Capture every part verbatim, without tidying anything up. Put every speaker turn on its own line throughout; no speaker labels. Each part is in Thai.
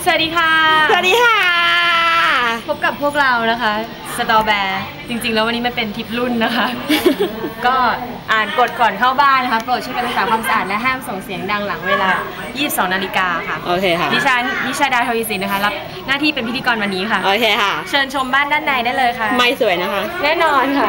สวัสดีค่ะ
สวัสดีค่ะ
พบกับพวกเรานะคะสตอแบร์จริงๆแล้ววันนี้มันเป็นทริปรุ่นนะคะ ก็อ่านกฎก่อนเข้าบ้านนะคะโปรดช่วยกันรักษาความสะอาดและห้ามส่งเสียงดังหลังเวลา ยี่สิบสอง นาฬิกาค่ะ
โอเคค่ะ
ดิฉันนิชาดาทวีสินนะคะรับหน้าที่เป็นพิธีกรวันนี้ค่ะ
โอเคค่ะ
เชิญชมบ้านด้านในได้เลยค่ะ
ไม่สวยนะคะ
แน่นอนค่ะ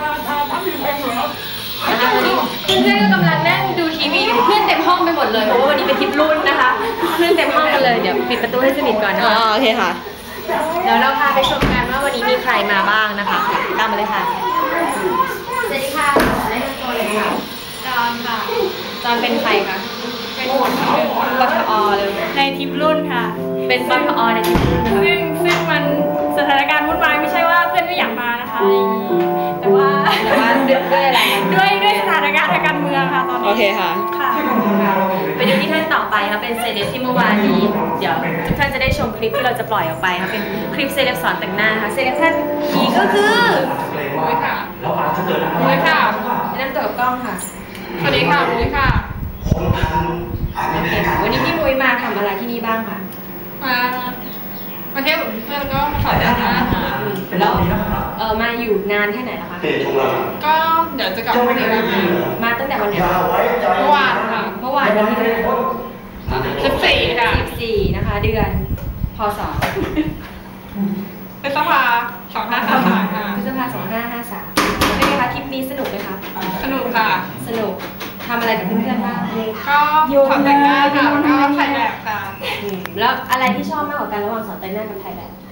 นะคะวันนี้เพื่อนๆก็กำลังนั่งดูทีวีกันเพื่อนเต็มห้องไปหมดเลยเพราะว่าวันนี้เป็นทริปรุ่นนะคะเพื่อนเต็มห้องกันเลยเดี๋ยวปิดประตูให้สนิทก่อนนะคะ
โอเคค่ะ
เดี๋ยวเราพาไปชมกันว่าวันนี้มีใครมาบ้างนะคะตามมาเลยค่ะสวัสดีค่ะแนะนำตัวเลยค่ะจอนค่ะจอนเป็นใครคะเป็นปทอเลย
ในทริปรุ่นค่ะ
เป็นปทอในทริปรุ่น
ซึ่งซึ่งมันสถานการณ์วุ่นวายไม่ใช่ว่าเพื่อนไม่อยากมานะคะแต่ว่า
แต่ว่าด้วยอะไร
ด้วยด้วยสถานการณ์ทางการเมืองค่ะตอนนี้
โอเคค่ะ
ค่ะ
ไปดูที่ท่านต่อไปค่ะเป็นเซเลบที่เมื่อวานนี้เดี๋ยวทุกท่านจะได้ชมคลิปที่เราจะปล่อยออกไปค่ะเป็นคลิปเซเลบสอนแต่งหน้าค่ะเซเลบท่านนี้ก็คือ
มุ้ยค่ะมุ้ยค่ะ
แนะนำตัวกับกล้องค่ะ
สวัสดีค่ะมุ้ยค่ะ
โอเคค่ะวันนี้พี่มุ้ยมาทำอะไรที่นี่บ้างคะ
มามาเที่ยวกับเพื่อนก็มาสอนแต่งหน้าค่ะ
แล้วเออมาอยู่นานแค่ไหนแล้วคะ
ก็เดี๋ยวจะกลับมาที่นี่
มาตั้งแต่วันไหน
เมื่อวานค่ะ
เมื่อวานวันที่
สิบสี่ค่ะ
สิบสี่นะคะเดือนพศ
พฤษภาสองห้าห้าสามค่ะ
พฤษภาสองห้าห้าสามเป็นไงคะทริปนี้สนุกไหมคะ
สนุกค่ะ
สนุกทำอะไรกับเพื่อนๆบ้าง
ก็สอนแต่งหน้าค่ะแล้วก็ถ่ายแบบค่ะ
แล้วอะไรที่ชอบมากกว่ากันระหว่างสอนแต่งหน้ากับถ่ายแบบ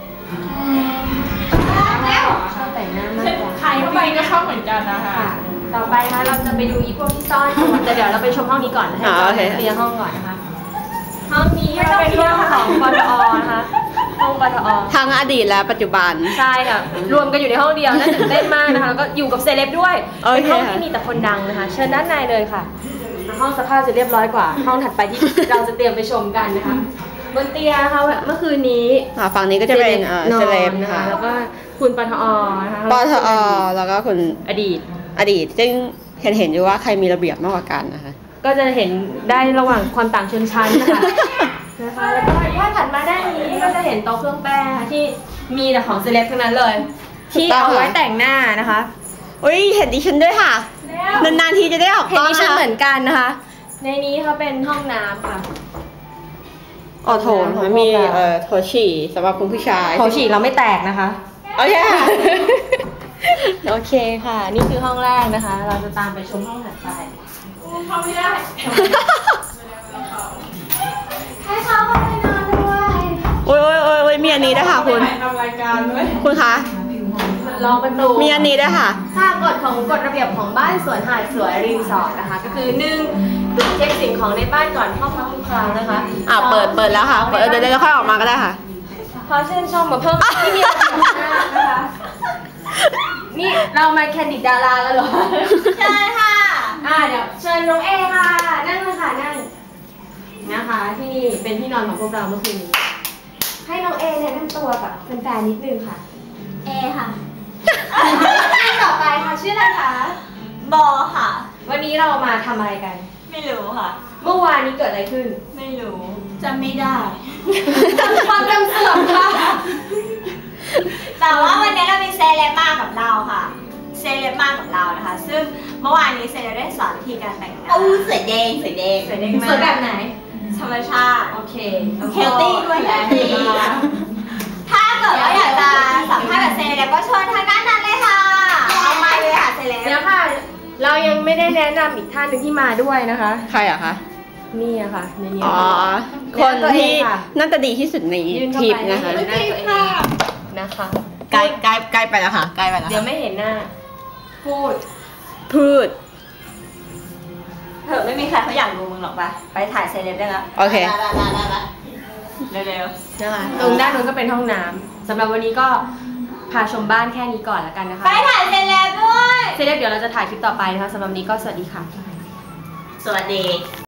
ชอบแต่งหน้ามากกว่า
ใครเข้าไปก็ชอบเหมือนกันนะคะ
ต่อไปนะเราจะไปดูอีพวกที่ซ่อนตัวแต่เดี๋ยวเราไปชมห้องนี้ก่อนนะคะเคลียร์ห้องก่อนนะคะห้องนี้เป็นห้องของปทอนะคะห้องปทอ
ทั้งอดีตและปัจจุบัน
ใช่ค่ะรวมกันอยู่ในห้องเดียวน่าตื่นเต้นมากนะคะแล้วก็อยู่กับเซเลบด้วยเป็นห้องที่มีแต่คนดังนะคะเชิญด้านในเลยค่ะห้องสภาพจะเรียบร้อยกว่าห้องถัดไปที่เราจะเตรียมไปชมกันนะคะบนเตียงนะคะเมื่อคืนนี้
ฝั่งนี้ก็จะเป็นเซเลบ
นะคะแล้วก็คุณปทอนะคะ
ปทอแล้วก็คุณ
อดีต
อดีตซึ่งเห็นเห็นอยู่ว่าใครมีระเบียบมากกว่ากันนะคะ
ก็จะเห็นได้ระหว่างความต่างชนชั้นนะคะนะคะแล้วก็ถ้าถัดมาด้านนี้ก็จะเห็นโต๊ะเครื่องแป้งที่มีแต่ของเซเลบทั้งนั้นเลยที่เอาไว้แต่งหน้านะคะ
อุ้ยเห็นดิฉันด้วยค่ะนานๆทีจะได้ออก
กล้องเห็นดิฉันเหมือนกันนะคะในนี้เขาเป็นห้องน้ำค่ะ
อ๋อโถมันมีเอ่อโถฉี่สำหรับคุณผู้ชาย
โถฉี่เราไม่แตกนะคะ
โอเค
โอเคค่ะนี่คือห้องแรกนะคะเราจะตามไปชมห้องถัดไป
เข้าไม่ได้
ให้เขาเข้าไปนอนด้วย
โอ้ยโอ้ยโอ้ยมีอันนี้ด้วยค่ะคุณ
ทำรายการด้วย
คุณคะ
ลองประตู
มีอันนี้ด้วยค่ะ
ค่ากฎของกฎระเบียบของบ้านสวนหาดสวยรีสอร์ทนะคะก็คือหนึ่งตรวจเช็คสิ่งของในบ้านก่อนเข้าพักทุกครั้งนะคะ
อ่าเปิดเปิดแล้วค่ะเปิดเดี๋ยวเดี๋ยวค่อยออกมาก็ได้ค่ะ
ขอเชิญชมมาเพิ่มที่มีระเบียบนะคะนี่เรามาแคนดิดดาราแล้วเหรอ
ใช่ค่ะ
อ่าเดี๋ยวเชิญน้องเอค่ะนั่งเลยค่ะนั่งนะคะที่นี่เป็นที่นอนของพวกเราเมื่อคืนนี้ให้น้องเอแนะนำตัวกับแฟนๆนิดนึงค่ะ
เอค่ะ
ท่านต่อไปค่ะชื่ออะไรคะ
บอค่ะ
วันนี้เรามาทำอะไรกัน
ไม่รู้ค่ะ
เมื่อวานนี้เกิดอะไรขึ้น
ไม่รู้จำไม่ได้
ความจำเสื่อมค่ะ
แต่ว่าวันนี้เรามีเซเลบมากับเราค่ะเซเลบมากับเรานะคะซึ่งเมื่อวานนี้เซเลบได้สอนวิธีการแต่งหน้า
อู้สวยแดงสวยแดง
สวยแดงมาก
สวยแบบไหน
ธรรมชาติ
โอเค
เฮลตี้ด้วยเฮลตี้ถ้าเกิดว่าอยากจะสัมภาษณ์แบบเซเลบก็เชิญทางด้านนั้นเลยค่ะเอาไมค์เลยค่ะเซเลบ
เดี๋ยวค่ะเรายังไม่ได้แนะนำอีกท่านหนึ่งที่มาด้วยนะคะ
ใครอะคะ
นี่อะค่ะในนี้
อ๋อคนที่น่าจะดีที่สุดในทริปนะคะ
นะคะ
ใกล้ใกล้ใกล้ไปแล้วค่ะใกล้ไปแล้ว
เดี๋ยวไม่เห็นหน้าพูด
พูด
เถอะไม่มีใครเขาอยากดูมึงหรอกปะไปถ่ายเซเลบได้แล้ว
โอเค
เร็วๆ
นะคะตรงด้านนู้นก็เป็นห้องน้ำสำหรับวันนี้ก็พาชมบ้านแค่นี้ก่อนแล้วกันนะคะ
ไปถ่ายเซเลบด้วย
เซเลบเดี๋ยวเราจะถ่ายคลิปต่อไปนะคะสำหรับวันนี้ก็สวัสดีค่ะ
สวัสดี